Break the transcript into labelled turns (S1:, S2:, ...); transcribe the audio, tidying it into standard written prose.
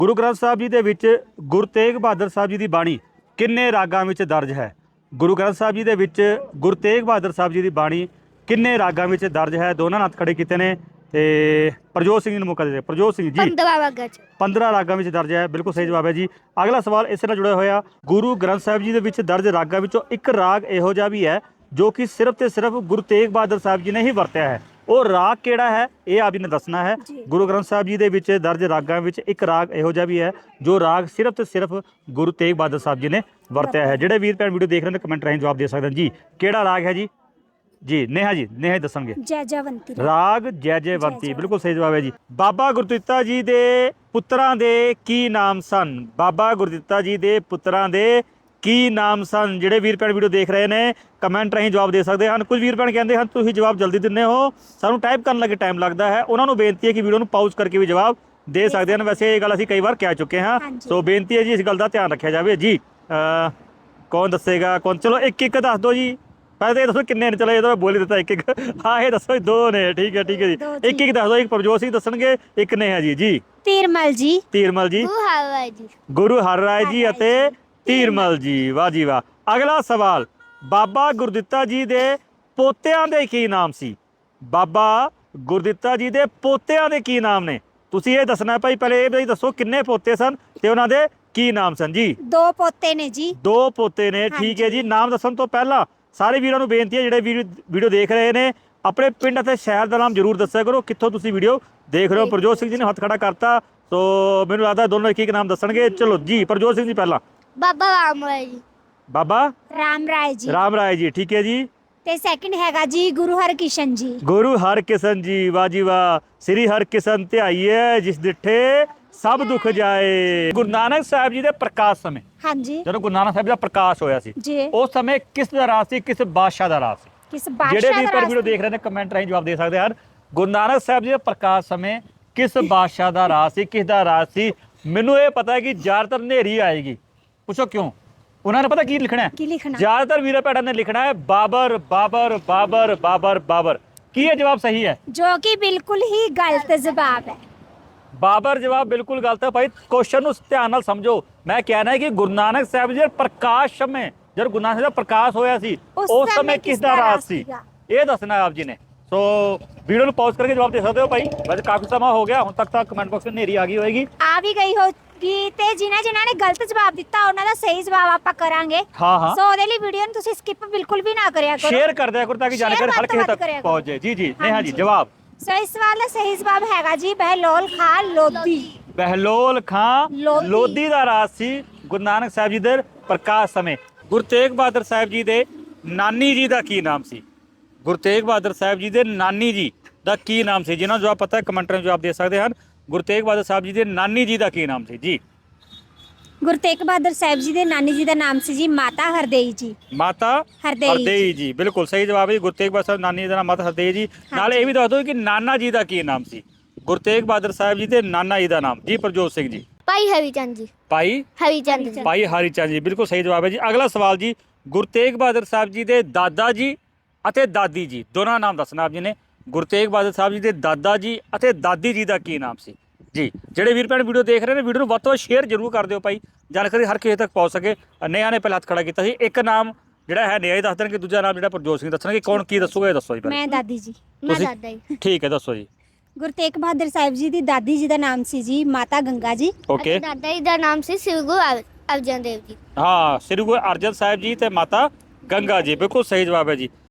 S1: ਗੁਰੂ ਗ੍ਰੰਥ ਸਾਹਿਬ ਜੀ ਦੇ ਵਿੱਚ ਗੁਰੂ ਤੇਗ ਬਹਾਦਰ ਸਾਹਿਬ ਜੀ ਦੀ ਬਾਣੀ ਕਿੰਨੇ ਰਾਗਾਂ ਵਿੱਚ ਦਰਜ ਹੈ? ਗੁਰੂ ਗ੍ਰੰਥ ਸਾਹਿਬ ਜੀ ਦੇ ਵਿੱਚ ਗੁਰੂ ਤੇਗ ਬਹਾਦਰ ਸਾਹਿਬ ਜੀ ਦੀ ਬਾਣੀ ਕਿੰਨੇ ਰਾਗਾਂ ਵਿੱਚ ਦਰਜ ਹੈ? ਦੋਨਾਂ ਨੇ ਹੱਥ ਖੜੇ ਕੀਤੇ ਨੇ ਤੇ ਪ੍ਰਜੋਤ ਸਿੰਘ ਜੀ ਨੂੰ ਮੌਕਾ ਦੇ। ਪ੍ਰਜੋਤ ਸਿੰਘ ਜੀ
S2: 15 ਰਾਗਾਂ ਚ
S1: 15 ਰਾਗਾਂ ਵਿੱਚ ਦਰਜ ਹੈ, ਬਿਲਕੁਲ ਸਹੀ ਜਵਾਬ ਹੈ ਜੀ। ਅਗਲਾ ਸਵਾਲ ਇਸ ਨਾਲ ਜੁੜਿਆ ਹੋਇਆ, ਗੁਰੂ ਗ੍ਰੰਥ ਸਾਹਿਬ ਜੀ ਦੇ ਵਿੱਚ ਦਰਜ ਰਾਗਾਂ ਵਿੱਚੋਂ ਇੱਕ ਰਾਗ ਇਹੋ ਜਿਹਾ ਵੀ ਹੈ ਜੋ ਕਿ ਸਿਰਫ ਤੇ ਸਿਰਫ ਗੁਰੂ ਤੇਗ ਬਹਾਦਰ ਸਾਹਿਬ ਜੀ ਨੇ ਹੀ ਵਰਤਿਆ ਹੈ। ਉਹ ਰਾਗ ਕਿਹੜਾ ਹੈ ਇਹ ਆਪ ਜੀ ਨੇ ਦੱਸਣਾ ਹੈ। ਗੁਰੂ ਗ੍ਰੰਥ ਸਾਹਿਬ ਜੀ ਦੇ ਵਿੱਚ ਦਰਜ ਰਾਗਾਂ ਵਿੱਚ ਇੱਕ ਰਾਗ ਇਹੋ ਜਿਹਾ ਵੀ ਹੈ ਜੋ ਰਾਗ ਸਿਰਫ ਤੇ ਸਿਰਫ ਗੁਰੂ ਤੇਗ ਬਹਾਦਰ ਸਾਹਿਬ ਜੀ ਨੇ ਵਰਤਿਆ ਹੈ। ਜਿਹੜੇ ਵੀਰ ਭੈਣ ਵੀਡੀਓ ਦੇਖ ਰਹੇ ਨੇ ਕਮੈਂਟ ਰਾਹੀਂ ਜਵਾਬ ਦੇ ਸਕਦੇ ਹਨ ਜੀ। ਕਿਹੜਾ ਰਾਗ ਹੈ ਜੀ? ਜੀ ਨੇਹਾ ਜੀ ਦੱਸਣਗੇ।
S2: ਜੈਜਵੰਤੀ
S1: ਰਾਗ ਜੈਜਵੰਤੀ, ਬਿਲਕੁਲ ਸਹੀ ਜਵਾਬ ਹੈ ਜੀ। ਬਾਬਾ ਗੁਰਦਿੱਤਾ ਜੀ ਦੇ ਪੁੱਤਰਾਂ ਦੇ ਕੀ ਨਾਮ ਸਨ? ਬਾਬਾ ਗੁਰਦਿੱਤਾ ਜੀ ਦੇ ਪੁੱਤਰਾਂ ਦੇ ਕੀ ਨਾਮ ਸਨ? ਜਿਹੜੇ ਵੀਰ ਭੈਣ ਵੀਡੀਓ ਦੇਖ ਰਹੇ ਨੇ ਕਮੈਂਟ ਰਾਹੀਂ ਜਵਾਬ ਦੇ ਸਕਦੇ ਹਨ। ਕੁਝ ਵੀਰ ਭੈਣ ਕਹਿੰਦੇ ਹਨ ਤੁਸੀਂ ਜਵਾਬ ਜਲਦੀ ਦਿੰਦੇ ਹੋ, ਸਾਨੂੰ ਟਾਈਪ ਕਰਨ ਲੱਗੇ ਟਾਈਮ ਲੱਗਦਾ ਹੈ। ਉਹਨਾਂ ਨੂੰ ਬੇਨਤੀ ਹੈ ਕਿ ਵੀਡੀਓ ਨੂੰ ਪਾਊਜ਼ ਕਰਕੇ ਵੀ ਜਵਾਬ ਦੇ ਸਕਦੇ ਹਨ। ਵੈਸੇ ਇਹ ਗੱਲ ਅਸੀਂ ਕਈ ਵਾਰ ਕਹਿ ਚੁੱਕੇ ਹਾਂ, ਸੋ ਬੇਨਤੀ ਹੈ ਜੀ ਇਸ ਗੱਲ ਦਾ ਧਿਆਨ ਰੱਖਿਆ ਜਾਵੇ ਜੀ। ਕੌਣ ਦੱਸੇਗਾ? ਕੌਣ? ਚਲੋ ਇੱਕ ਦੱਸ ਦਿਓ ਜੀ। ਪਹਿਲੇ ਇਹ ਦੱਸੋ ਕਿੰਨੇ ਨੇ? ਚਲੋ ਇਹ ਤਾਂ ਬੋਲ ਹੀ ਦਿੱਤਾ ਇੱਕ। ਹਾਂ ਇਹ ਦੱਸੋ ਦੋ ਨੇ। ਠੀਕ ਹੈ ਜੀ। ਇੱਕ ਦੱਸ ਦਿਓ। ਇੱਕ ਪ੍ਰਭਜੋਤ ਸਿੰਘ ਦੱਸਣਗੇ, ਇੱਕ ਨੇ ਹੈ ਜੀ।
S2: ਤੀਰਮਲ ਜੀ
S1: ਗੁਰੂ ਹਰ ਰਾਏ ਜੀ ਅਤੇ ਤੀਰਮਲ ਜੀ। ਵਾਹ ਜੀ ਵਾਹ। ਅਗਲਾ ਸਵਾਲ, ਬਾਬਾ ਗੁਰਦਿੱਤਾ ਜੀ ਦੇ ਪੋਤਿਆਂ ਦੇ ਕੀ ਨਾਮ ਸੀ? ਬਾਬਾ ਗੁਰਦਿੱਤਾ ਜੀ ਦੇ ਪੋਤਿਆਂ ਦੇ ਕੀ ਨਾਮ ਨੇ? ਤੁਸੀਂ ਇਹ ਦੱਸਣਾ ਭਾਈ। ਪਹਿਲੇ ਇਹ ਵੀ ਦੱਸੋ ਕਿੰਨੇ ਪੋਤੇ ਸਨ ਤੇ ਉਹਨਾਂ ਦੇ ਕੀ ਨਾਮ ਸਨ ਜੀ?
S2: 2 ਪੋਤੇ ਨੇ ਜੀ।
S1: 2 ਪੋਤੇ ਨੇ, ਠੀਕ ਹੈ ਜੀ। ਨਾਮ ਦੱਸਣ ਤੋਂ ਪਹਿਲਾਂ ਸਾਰੇ ਵੀਰਾਂ ਨੂੰ ਬੇਨਤੀ ਹੈ ਜਿਹੜੇ ਵੀਡੀਓ ਦੇਖ ਰਹੇ ਨੇ ਆਪਣੇ ਪਿੰਡ ਅਤੇ ਸ਼ਹਿਰ ਦਾ ਨਾਮ ਜ਼ਰੂਰ ਦੱਸਿਆ ਕਰੋ ਕਿੱਥੋਂ ਤੁਸੀਂ ਵੀਡੀਓ ਦੇਖ ਰਹੇ ਹੋ। ਪ੍ਰਜੋਤ ਸਿੰਘ ਜੀ ਨੇ ਹੱਥ ਖੜਾ ਕਰਤਾ, ਸੋ ਮੈਨੂੰ ਲੱਗਦਾ ਦੋਨੋਂ ਇੱਕ ਨਾਮ ਦੱਸਣਗੇ। ਚਲੋ ਜੀ ਪ੍ਰਜੋਤ ਸਿੰਘ ਜੀ ਪਹਿਲਾਂ।
S2: ਬਾਬਾ ਰਾਮ ਰਾਏ ਜੀ।
S1: ਬਾਬਾ
S2: ਰਾਮ ਰਾਏ ਜੀ,
S1: ਠੀਕ ਹੈ ਜੀ।
S2: ਤੇ ਸੈਕਿੰਡ ਹੈਗਾ ਜੀ ਗੁਰੂ ਹਰਕਿਸ਼ਨ ਜੀ।
S1: ਗੁਰੂ ਹਰਕਿਸ਼ਨ ਜੀ, ਵਾਹ ਜੀ ਵਾਹ। ਸ੍ਰੀ ਹਰਕਿਸ਼ਨ ਧਿਆਈਏ ਜਿਸ ਡਿਠੇ ਸਭ ਦੁੱਖ ਜਾਏ। ਗੁਰੂ ਨਾਨਕ ਸਾਹਿਬ ਜੀ ਦੇ ਪ੍ਰਕਾਸ਼ ਸਮੇਂ,
S2: ਹਾਂਜੀ,
S1: ਜਦੋਂ ਗੁਰੂ ਨਾਨਕ ਸਾਹਿਬ ਦਾ ਪ੍ਰਕਾਸ਼ ਹੋਇਆ ਸੀ ਉਸ ਸਮੇਂ ਕਿਸ ਦਾ ਰਾਜ ਸੀ? ਕਿਸ ਬਾਦਸ਼ਾਹ ਦਾ ਰਾਜ ਸੀ? ਜਿਹੜੇ ਵੀ ਪਰ ਵੀਡੀਓ ਦੇਖ ਰਹੇ ਨੇ ਕਮੈਂਟ ਰਾਹੀਂ ਜਵਾਬ ਦੇ ਸਕਦੇ ਹਨ। ਗੁਰੂ ਨਾਨਕ ਸਾਹਿਬ ਜੀ ਦੇ ਪ੍ਰਕਾਸ਼ ਸਮੇਂ ਕਿਸ ਬਾਦਸ਼ਾਹ ਦਾ ਰਾਜ ਸੀ? ਕਿਸ ਦਾ ਰਾਜ ਸੀ? ਮੈਨੂੰ ਇਹ ਪਤਾ ਹੈ ਕਿ ਜ਼ਿਆਦਾਤਰ ਹਨੇਰੀ ਆਏਗੀ। ਪੁੱਛੋ ਕਿਉਂ? ਉਹਨਾਂ ਨੇ ਪਤਾ ਕੀ ਲਿਖਣਾ ਹੈ? ਜ਼ਿਆਦਾਤਰ ਵੀਰਾਂ ਭੈਣਾਂ ਨੇ ਲਿਖਣਾ ਹੈ ਬਾਬਰ ਬਾਬਰ ਬਾਬਰ ਬਾਬਰ ਬਾਬਰ। ਕੀ ਇਹ ਜਵਾਬ ਸਹੀ ਹੈ?
S2: ਜੋ ਕਿ ਬਿਲਕੁਲ ਹੀ ਗਲਤ ਜਵਾਬ ਹੈ।
S1: ਬਾਬਰ ਜਵਾਬ ਬਿਲਕੁਲ ਗਲਤ ਹੈ ਭਾਈ। ਕੁਐਸਚਨ ਨੂੰ ਧਿਆਨ ਨਾਲ ਸਮਝੋ। ਮੈਂ ਕਹਿਣਾ ਹੈ ਕਿ ਗੁਰੂ ਨਾਨਕ ਸਾਹਿਬ ਜੀ ਦੇ ਪ੍ਰਕਾਸ਼ ਸਮੇਂ, ਜਦ ਗੁਰੂ ਨਾਨਕ ਸਾਹਿਬ ਦਾ ਪ੍ਰਕਾਸ਼ ਹੋਇਆ ਸੀ ਉਸ ਸਮੇਂ ਕਿਸ ਦਾ ਰਾਜ ਸੀ ਇਹ ਦੱਸਣਾ ਆਪ ਜੀ ਨੇ। ਸੋ ਵੀਡੀਓ ਨੂੰ ਪੌਜ਼ ਕਰਕੇ ਜਵਾਬ ਦੇ ਸਕਦੇ ਹੋ ਭਾਈ। ਵੈਸੇ ਕਾਫੀ ਸਮਾਂ ਹੋ ਗਿਆ, ਹੁਣ ਤੱਕ ਤਾਂ ਕਮੈਂਟ ਬਾਕਸ ਵਿੱਚ ਹਨੇਰੀ ਆ ਗਈ ਹੋਏਗੀ,
S2: ਆ ਵੀ ਗਈ ਹੋਗੀ। ਤੇ ਜਿਨ੍ਹਾਂ ਨੇ ਗਲਤ ਜਵਾਬ ਦਿੱਤਾ ਉਹਨਾਂ ਦਾ ਸਹੀ ਜਵਾਬ ਆਪਾਂ ਕਰਾਂਗੇ।
S1: ਹਾਂ।
S2: ਸੋ ਉਹਦੇ ਲਈ ਵੀਡੀਓ ਨੂੰ ਤੁਸੀਂ ਸਕਿਪ ਬਿਲਕੁਲ ਵੀ ਨਾ ਕਰਿਆ ਕਰੋ,
S1: ਸ਼ੇਅਰ ਕਰ ਦਿਆ ਕਰੋ ਤਾਂ ਕਿ ਜਾਣਕਾਰੀ ਹਰ ਕਿਸੇ ਤੱਕ ਪਹੁੰਚ ਜਾਏ। ਜੀ ਨੇਹਾ ਜੀ ਜਵਾਬ।
S2: ਸੋ ਇਸ ਸਵਾਲ ਦਾ ਸਹੀ ਜਵਾਬ ਹੈਗਾ ਜੀ ਬਹਿਲੋਲ ਖਾਂ ਲੋਧੀ।
S1: ਬਹਿਲੋਲ ਖਾਂ ਲੋਧੀ ਦਾ ਰਾਜ ਸੀ ਗੁਰੂ ਨਾਨਕ ਸਾਹਿਬ ਜੀ ਦੇ ਪ੍ਰਕਾਸ਼ ਸਮੇਂ। ਗੁਰੂ ਤੇਗ ਬਹਾਦਰ ਸਾਹਿਬ ਜੀ ਦੇ ਨਾਨੀ ਜੀ ਦਾ ਕੀ ਨਾਮ ਸੀ? ਗੁਰੂ ਤੇਗ ਬਹਾਦਰ ਸਾਹਿਬ ਜੀ ਦੇ ਨਾਨੀ ਜੀ ਦਾ ਕੀ ਨਾਮ ਸੀ? ਜਿਹਨਾਂ ਨੂੰ ਜਵਾਬ ਪਤਾ ਹੈ ਕਮੈਂਟਾਂ ਵਿੱਚ ਜਵਾਬ ਦੇ ਸਕਦੇ ਹਨ। ਗੁਰੂ ਤੇਗ ਬਹਾਦਰ ਸਾਹਿਬ ਜੀ ਦੇ ਨਾਨੀ ਜੀ ਦਾ ਕੀ ਨਾਮ ਸੀ ਜੀ?
S2: ਗੁਰੂ ਤੇਗ ਬਹਾਦਰ ਸਾਹਿਬ ਜੀ ਦੇ ਨਾਨੀ ਜੀ ਦਾ ਨਾਮ ਸੀ ਜੀ ਮਾਤਾ ਹਰਦੇਈ ਜੀ।
S1: ਮਾਤਾ ਹਰਦੇਈ ਜੀ, ਬਿਲਕੁਲ ਸਹੀ ਜਵਾਬ ਹੈ। ਗੁਰੂ ਤੇਗ ਬਹਾਦਰ ਸਾਹਿਬ ਨਾਨੀ ਦਾ ਨਾਮ ਮਾਤਾ ਹਰਦੇਈ ਜੀ। ਨਾਲ ਇਹ ਵੀ ਦੱਸ ਦਿਓ ਕਿ ਨਾਨਾ ਜੀ ਦਾ ਕੀ ਨਾਮ ਸੀ? ਗੁਰੂ ਤੇਗ ਬਹਾਦਰ ਸਾਹਿਬ ਜੀ ਦੇ ਨਾਨਾ ਜੀ ਦਾ ਨਾਮ ਜੀ ਪ੍ਰਜੋਤ ਸਿੰਘ ਜੀ।
S2: ਭਾਈ ਹਰੀਚੰਦ ਜੀ।
S1: ਭਾਈ ਹਰੀਚੰਦ ਜੀ, ਬਿਲਕੁਲ ਸਹੀ ਜਵਾਬ ਹੈ ਜੀ। ਅਗਲਾ ਸਵਾਲ ਜੀ, ਗੁਰੂ ਤੇਗ ਬਹਾਦਰ ਸਾਹਿਬ ਜੀ ਦੇ ਦਾਦਾ ਜੀ ਅਤੇ ਦਾਦੀ ਜੀ ਦੋਨਾਂ ਨਾਮ ਦੱਸਣਾ ਆਪ ਜੀ ਨੇ। ਗੁਰੂ ਤੇਗ ਬਹਾਦਰ ਸਾਹਿਬ ਜੀ ਦੇ ਦਾਦਾ ਜੀ ਅਤੇ ਦਾਦੀ ਜੀ ਦਾ ਕੀ ਨਾਮ ਸੀ ਜੀ? ਜਿਹੜੇ ਵੀਰ ਭੈਣ ਵੀਡੀਓ ਦੇਖ ਰਹੇ ਨੇ ਵੀਡੀਓ ਨੂੰ ਵੱਧ ਤੋਂ ਵੱਧ ਸ਼ੇਅਰ ਜ਼ਰੂਰ ਕਰ ਦਿਓ ਭਾਈ, ਜਾਣਕਾਰੀ ਹਰ ਕਿਸੇ ਤੱਕ ਪਹੁੰਚ ਸਕੇ। ਨੇਹਾ ਨੇ ਪਹਿਲਾਂ ਹੱਥ ਖੜਾ ਕੀਤਾ ਸੀ। ਇੱਕ ਨਾਮ ਜਿਹੜਾ ਹੈ ਨੇਹਾ ਹੀ ਦੱਸ ਦੇਣਗੇ, ਦੂਜਾ ਨਾਮ ਜਿਹੜਾ ਪ੍ਰਜੋਤ ਸਿੰਘ ਦੱਸਣਗੇ। ਕੌਣ ਕੀ ਦੱਸੂਗਾ ਇਹ ਦੱਸੋ ਜੀ ਪਹਿਲਾਂ।
S2: ਮੈਂ ਦਾਦੀ ਜੀ। ਮੈਂ ਦਾਦਾ ਜੀ।
S1: ਠੀਕ ਹੈ ਦੱਸੋ ਜੀ।
S2: ਗੁਰੂ ਤੇਗ ਬਹਾਦਰ ਸਾਹਿਬ ਜੀ ਦੀ ਦਾਦੀ ਜੀ ਦਾ ਨਾਮ ਸੀ ਜੀ ਮਾਤਾ ਗੰਗਾ ਜੀ।
S1: ਓਕੇ।
S2: ਦਾਦਾ ਜੀ ਦਾ ਨਾਮ ਸੀ ਸ੍ਰੀ ਗੁਰੂ ਅਰਜਨ ਦੇਵ ਜੀ।
S1: ਹਾਂ, ਸ੍ਰੀ ਗੁਰੂ ਅਰਜਨ ਸਾਹਿਬ ਜੀ ਤੇ ਮਾਤਾ ਗੰਗਾ ਜੀ, ਬਿਲਕੁਲ ਸਹੀ ਜਵਾਬ ਹੈ ਜੀ।